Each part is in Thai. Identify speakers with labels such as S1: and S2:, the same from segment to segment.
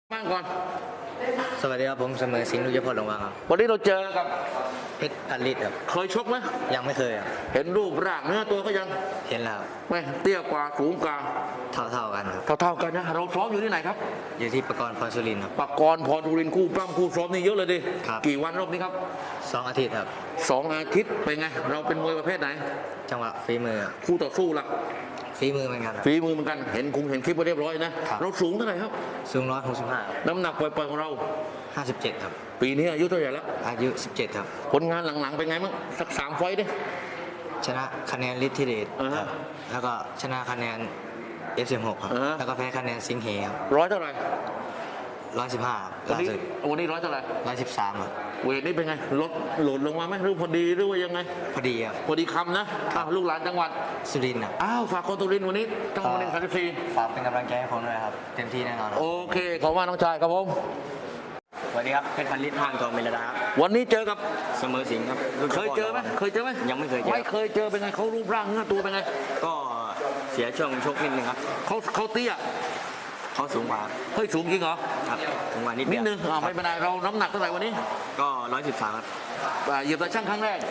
S1: บ้างก่อน
S2: สวัสดีครับผมเสมอสิงห์ลุยพลลงมาครับ
S1: วันนี้เราเจอกับ
S2: เพชรพันลิตรครับ
S1: เคยชกไหม
S2: ยังไม่เคยครับ
S1: เห็นรูปร่างเนื้อตัวก็ยัง
S2: เห็นแล้ว
S1: ไม่เตี้ยกว่าสูงกว่า
S2: เท่ากันครับ
S1: เท่ากันนะเราซ้อมอยู่ที่ไหนครับ
S2: อยู่ที่ปกรณ์พรสุรินทร์ครับ
S1: ปกรณ์พรสุรินทร์คู่ปล้ำคู่ซ้อมนี่เยอะเลยดิกี่วันรอบนี้ครับ
S2: 2 อาทิตย์ครับ
S1: 2 อาทิตย์เป็นไงเราเป็นมวยประเภทไหน
S2: จังหวะฝีมือ
S1: คู่ต่อสู้ล่ะ
S2: ฝีมือเหมือนกัน
S1: ฝีมือเหมือนกันเห็นคลิปไปเรียบร้อยนะเราสูงเท่าไหร่ครับ
S2: สูง165
S1: น้ำหนักปล่อยๆของเรา
S2: 57ครับ
S1: ปีนี้อายุเท่าไหร่แล้ว
S2: อายุ17ครับ
S1: ผลงานหลังๆเป็นไงบ้างสัก3 ไฟต์ดิ
S2: ชนะคะแนนฤทธิเดชครับแล้วก็ชนะคะแนน F16 ครับแล้วก็แพ้คะแนนสิงห์เหครับ
S1: ร้อยเท่าไหร่
S2: 115
S1: วันนี้ร้อยเท่าไหร่
S2: 113ครับ
S1: เวทนี่เป็นไงลดโหลดลงมาไหมหรือพอดีหรือว่ายังไง
S2: พอดีครับ
S1: พอดีคำนะลูกหลานจังหวัด
S2: สุรินทร์
S1: อ้าวฝากคนสุรินทร์วันนี้จังหวัด34
S2: ฝากเป็นกำลังใจให้ผมด้วยครับเต็มที่แน่นอน
S1: โอเคขอบคุณน้องชายครับผม
S2: สวัสดีครับเพชรพันลิตรห้างทองเมลดาครับ
S1: วันนี้เจอกับ
S2: เสมอสิงห์ครับ
S1: เคยเจอไหม
S2: ยังไม่เคยเจอ
S1: ไม่เคยเจอเป็นไงเขารูปร่างเนื้อตัวเป็นไง
S2: ก็เสียช่วงชกนิดนึงครับ
S1: เขาเตี้ย
S2: เขาสูงกว่า
S1: เฮ้ยสูงจริงเหรอ
S2: ครับสูงกว่านิด
S1: นึงไม่เป็นไรเราน้ำหนักเท่าไหร่วันนี้
S2: ก็113ครับ
S1: เหยียบตะช่างครั้งแรก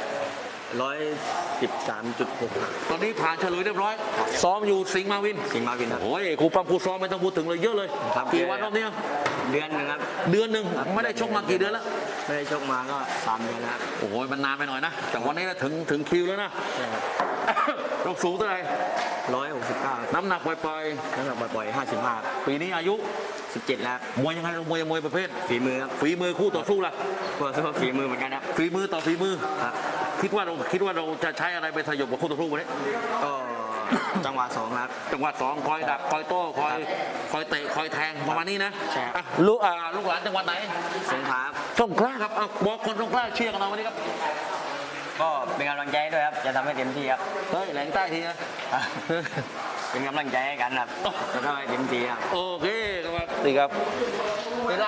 S2: 113.6
S1: ตอนนี้ผ่านเฉลยเรียบร้อยซ้อมอยู่สิงห์มาวิน
S2: ครับ
S1: โอ้ยครูปั๊มครูซ้อมไม่ต้องพูดถึงเลยเยอะเลยกี่วันรอบนี้
S2: เดือนนึงครับ
S1: เดือนนึงไม่ได้ชกมากี่เดือนแล้ว
S2: ไม่ได้ชกมาก็3 เดือนแล้ว
S1: โอ้ยมันนานไปหน่อยนะแต่วันนี้ถึงคิวแล้วนะเราสูงเท่าไหร่
S2: 169
S1: น้ำหนักปล่อย
S2: 55
S1: ปีนี้อายุ
S2: 17แล้ว
S1: มวยยังไงมวยประเภท
S2: ฝีมือครับ
S1: ฝีมือคู่ต่อสู้ล่ะ
S2: ฝีมือเหมือนกันครับ
S1: ฝีมือต่อฝีมือ
S2: ครับ
S1: คิดว่าเราจะใช้อะไรไปสยบกับคู่ต่อสู้วันนี้
S2: ก็จังหวะ2ครับ
S1: จังหวะ2คอยดักคอยโต้คอยเตะคอยแทงประมาณนี้นะ
S2: ใช่
S1: ลูกหลานจังหวัดไหน
S2: สงขลา
S1: ครับบอกคนสงขลาเชียร์กันเราวันนี้ครับ
S2: ก็เป็นกำลังใจด้วยครับจะทำให้เต็มที่ครับ
S1: เฮ้ยแหลงใต้ทีนะ
S2: เป็นกำลังใจให้กันครับจะทำให้เต็มที่ครับ
S1: โอเคครับสวัสดีครับ